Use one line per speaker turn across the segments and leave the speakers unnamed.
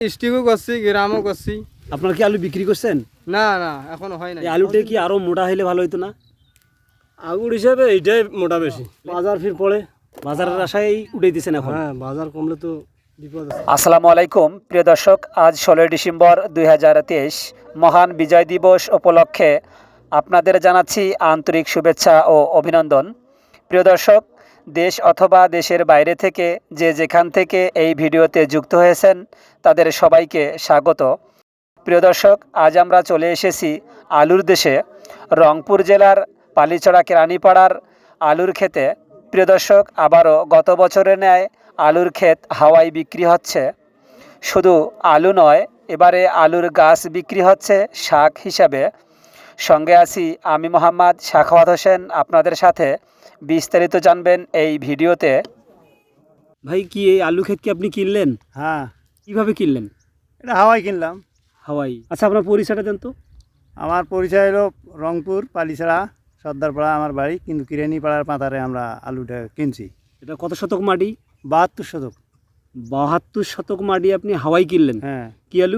স্টিকও করছি, গ্রামও করছি।
আপনারা কি আলু বিক্রি করছেন?
না না, এখনো হয় না।
এই আলুটা কি আরো মোটা হইলে ভালো হইতো না?
আগুর হিসাবে এইটাই মোটা বেশি।
বাজার ফির পড়ে, বাজারের আশায় উঠাই দিচ্ছেন এখন।
হ্যাঁ, বাজার কমলে তো বিপদ আছে।
আসসালামু আলাইকুম প্রিয় দর্শক, আজ 16 ডিসেম্বর 2023 মহান বিজয় দিবস উপলক্ষে আপনাদের জানাচ্ছি আন্তরিক শুভেচ্ছা ও অভিনন্দন। প্রিয় দর্শক, দেশ অথবা দেশের বাইরে থেকে যে যেখান থেকে এই ভিডিওতে যুক্ত হয়েছেন তাদের সবাইকে স্বাগত। প্রিয় দর্শক, আজ আমরা চলে এসেছি আলুর দেশে, রংপুর জেলার পালিচড়া কেরানীপাড়ার আলুর ক্ষেতে। প্রিয় দর্শক, আবারও গত বছরের ন্যায় আলুর ক্ষেত হাওয়ায় বিক্রি হচ্ছে। শুধু আলু নয়, এবারে আলুর গাছ বিক্রি হচ্ছে শাক হিসাবে। সঙ্গে আছি আমি মোহাম্মদ সাখাওয়াত হোসেন, আপনাদের সাথে বিস্তারিত জানবেন এই ভিডিওতে।
ভাই, কি এই আলু ক্ষেত কি আপনি কিনলেন?
হ্যাঁ,
কিভাবে কিনলেন?
এটা হাওয়াই কিনলাম।
হাওয়াই। আচ্ছা, আপনার পরিচয়টা দেন তো।
আমার পরিচয় হলো রংপুর পালিছড়া সর্দারপাড়া আমার বাড়ি, কিন্তু কিরানীপাড়ার পাতারে আমরা আলুটা কিনছি।
এটা কত শতক মাটি?
72 শতক।
72 শতক মাটি আপনি হাওয়াই কিনলেন।
হ্যাঁ,
কি আলু?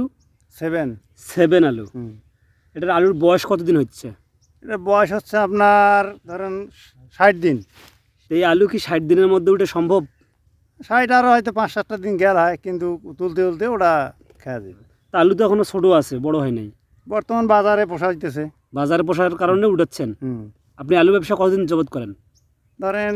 7
আলু। এটার আলুর বয়স কতদিন হচ্ছে?
এটা বয়স হচ্ছে আপনার ধরেন 60 দিন।
এই আলু কি 60 দিনের মধ্যে উঠে সম্ভব?
60 আরও হয়তো 5-7টা দিন গেল হয়, কিন্তু তুলতে তুলতে ওটা খেয়া যাবে।
তা আলু তো এখনো ছোট আছে, বড় হয় নাই।
বর্তমান বাজারে পোষা দিতেছে।
বাজারে পোষার কারণে উঠাচ্ছেন। আপনি আলু ব্যবসা কতদিন যাবত করেন?
ধরেন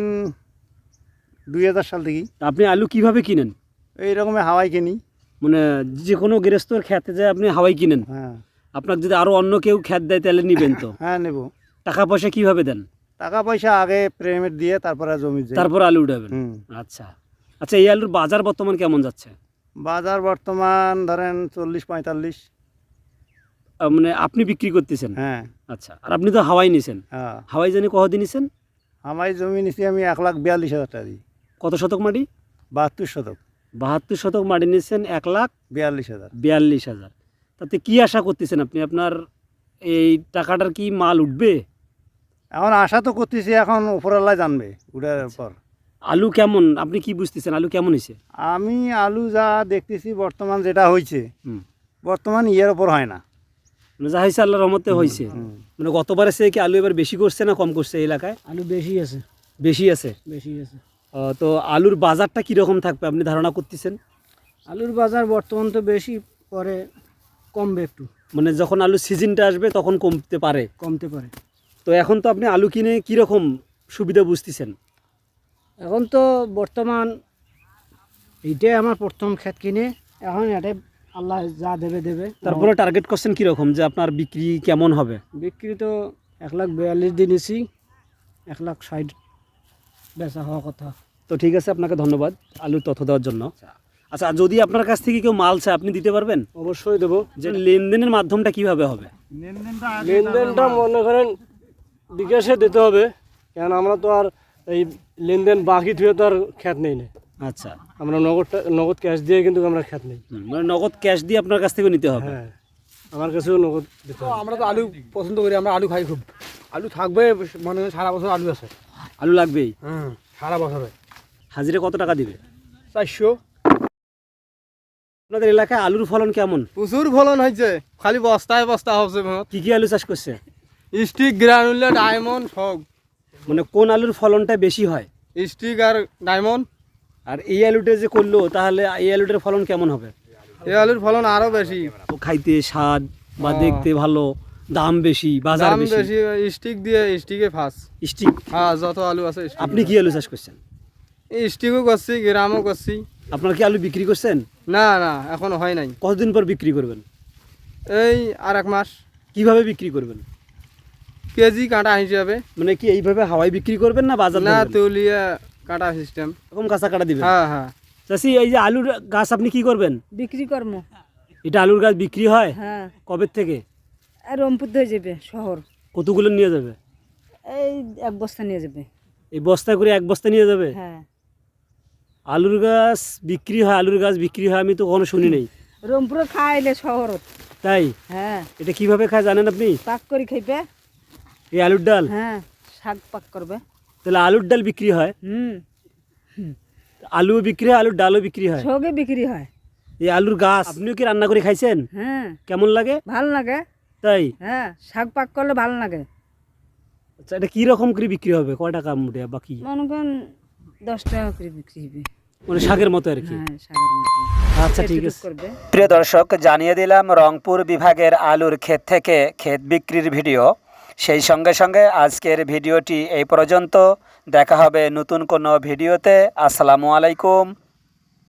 2000 সাল থেকেই।
তা আপনি আলু কিভাবে কিনেন?
এই রকমের হাওয়াই কিনি।
মানে যে কোনো গৃহস্থর খেতে যায় আপনি হাওয়াই কিনেন?
হ্যাঁ।
আপনার যদি আরো অন্য কেউ খেত দেয় তাহলে নিবেন তো?
হ্যাঁ, নেব।
টাকা পয়সা কিভাবে দেন?
টাকা পয়সা আগে পেমেন্ট দিয়ে তারপরে জমি যায়।
তারপর আলু উঠাবেন? আচ্ছা আচ্ছা, এই আলুর বাজার বর্তমান কেমন যাচ্ছে?
বাজার বর্তমান ধরেন 40-45।
মানে আপনি বিক্রি করতেছেন?
হ্যাঁ।
আচ্ছা, আর আপনি তো হাওয়াই নিছেন।
হ্যাঁ,
হাওয়াই জানি কতদিন নিছেন?
আমার জমি নিচ্ছি আমি 1,42,000 টাকা দিই।
কত শতক মাটি?
72 শতক।
72 শতক মাটি নিচ্ছেন
1,42,000।
1,42,000। তাতে কি আশা করতেছেন আপনি? আপনার এই টাকাটার কি মাল উঠবে?
এখন আশা তো করতেছি, এখন উপরওয়ালা জানবে উঠার পর।
আলু কেমন আপনি কি বুঝতেছেন? আলু কেমন হয়েছে?
আমি আলু যা দেখতেছি বর্তমান যেটা হয়েছে, বর্তমান ইয়ের ওপর হয় না।
মানে যা হয়েছে আল্লাহর রহমতে হয়েছে। মানে গতবারে সে কি আলু এবার বেশি করছে না কম করছে এই এলাকায়?
আলু বেশি আছে।
বেশি আছে?
বেশি আছে।
তো আলুর বাজারটা কীরকম থাকবে আপনি ধারণা করতেছেন?
আলুর বাজার বর্তমান তো বেশি, পরে কমবে একটু।
মানে যখন আলুর সিজনটা আসবে তখন কমতে পারে?
কমতে পারে।
তো এখন তো আপনি আলু কিনে কীরকম সুবিধা বুঝতেছেন?
এখন তো বর্তমান এইটাই আমার প্রথম ক্ষেত কিনে, এখন এটাই আল্লাহ যা দেবে দেবে।
তারপরে টার্গেট করছেন কীরকম যে আপনার বিক্রি কেমন হবে?
বিক্রি তো 1,42,000 দিয়েছি, 1,60,000 বেচা হওয়া কথা।
তো ঠিক আছে, আপনাকে ধন্যবাদ আলুর তথ্য দেওয়ার জন্য। আচ্ছা, যদি আপনার কাছ থেকে কেউ মাল চায় আপনি দিতে পারবেন?
অবশ্যই দেবো।
যে লেনদেনের মাধ্যমটা কিভাবে হবে?
লেনদেনটা মনে করেন বিকাশে দিতে হবে, কেন আমরা তো আর এই লেনদেন বাকি ধুয়ে তো আর খ্যাত নেই না।
আচ্ছা,
আমরা নগদ ক্যাশ দিয়ে কিন্তু আমরা খ্যাত নেই।
মানে নগদ ক্যাশ দিয়ে আপনার কাছ থেকে নিতে হবে?
হ্যাঁ, আমার কাছেও নগদ দিতে হবে।
আমরা তো আলু পছন্দ করি, আমরা আলু খাই খুব। আলু থাকবে, মানে সারা বছর আলু আছে।
আলু লাগবেই?
সারা বছরে।
হাজিরে কত টাকা দিবে?
400।
আপনাদের এলাকায় আলুর ফলন কেমন?
প্রচুর ফলন হয়েছে, খালি বস্তায় বস্তা হচ্ছে।
কি কি আলু চাষ করছে?
স্টিক, গ্রানুলা, ডায়মন্ড সব।
মানে কোন আলুর ফলনটা বেশি হয়?
স্টিক আর ডায়মন্ড।
আর এই আলুটা যে করলো, তাহলে এই আলুটার ফলন কেমন হবে?
এই আলুর ফলন আরো বেশি।
খাইতে স্বাদ বা দেখতে ভালো, দাম বেশি, বাজার
দাম
বেশি।
বেশি। স্টিক দিয়ে, স্টিকে ফার্স্ট।
স্টিক?
হ্যাঁ, যত আলু আছে।
আপনি কি আলু চাষ করছেন?
স্টিকও করছি, গ্রামও করছি।
আপনার কি আলু বিক্রি করছেন?
না না, এখনো হয় নাই।
কতদিন পর বিক্রি করবেন?
এই আর 1 মাস।
কিভাবে বিক্রি করবেন?
কেজি কাঁটা হিসাবে।
মানে কি এইভাবে হাওয়াই বিক্রি করবেন না বাজার?
না, তুলিয়া কাঁটা সিস্টেম।
এরকম কাঁচা কাটা দিবেন?
হ্যাঁ হ্যাঁ।
চাষি, এই যে আলুর গাছ আপনি কি করবেন?
বিক্রি করব।
এটা আলুর গাছ বিক্রি হয়?
হ্যাঁ।
কবে থেকে?
আর রংপুর হয়ে যাবে শহর।
কতগুলো নিয়ে যাবে?
এই 1 বস্তা নিয়ে যাবে।
এই বস্তায় করে 1 বস্তা নিয়ে যাবে?
হ্যাঁ।
আলুর গাছ বিক্রি হয়? আলুর গাছ বিক্রি হয় আমি তো কখনো শুনি নাই।
রংপুরে খাইলে শহর।
তাই?
হ্যাঁ।
এটা কিভাবে খায় জানেন আপনি?
পাক করে খাইবে।
এই আলুর ডাল?
হ্যাঁ, শাক পাক করবে।
তাহলে আলুর ডাল বিক্রি হয়? আলুও বিক্রি হয়, আলুর ডালও বিক্রি হয়?
সবই বিক্রি হয়।
এই আলুর গাছ আপনিও কি রান্না করে খাইছেন?
হ্যাঁ
কেমন লাগে?
ভালো লাগে।
তাই?
হ্যাঁ শাক পাক করলে ভালো লাগে।
আচ্ছা, এটা কি রকম করে বিক্রি হবে? কয় টাকা মুঠে বা কি?
মনে করেন 10 টাকা করে বিক্রি হবে।
মানে শাকের মতো আর কি।
হ্যাঁ শাকের মতো।
আচ্ছা ঠিক
এটুকু
আছে।
করবে।
প্রিয় দর্শক, জানিয়ে দিলাম রংপুর বিভাগের আলুর ক্ষেত থেকে ক্ষেত বিক্রির ভিডিও। সেই সঙ্গে সঙ্গে আজকের ভিডিওটি এই পর্যন্ত। দেখা হবে নতুন কোনো ভিডিওতে। আসসালামু আলাইকুম।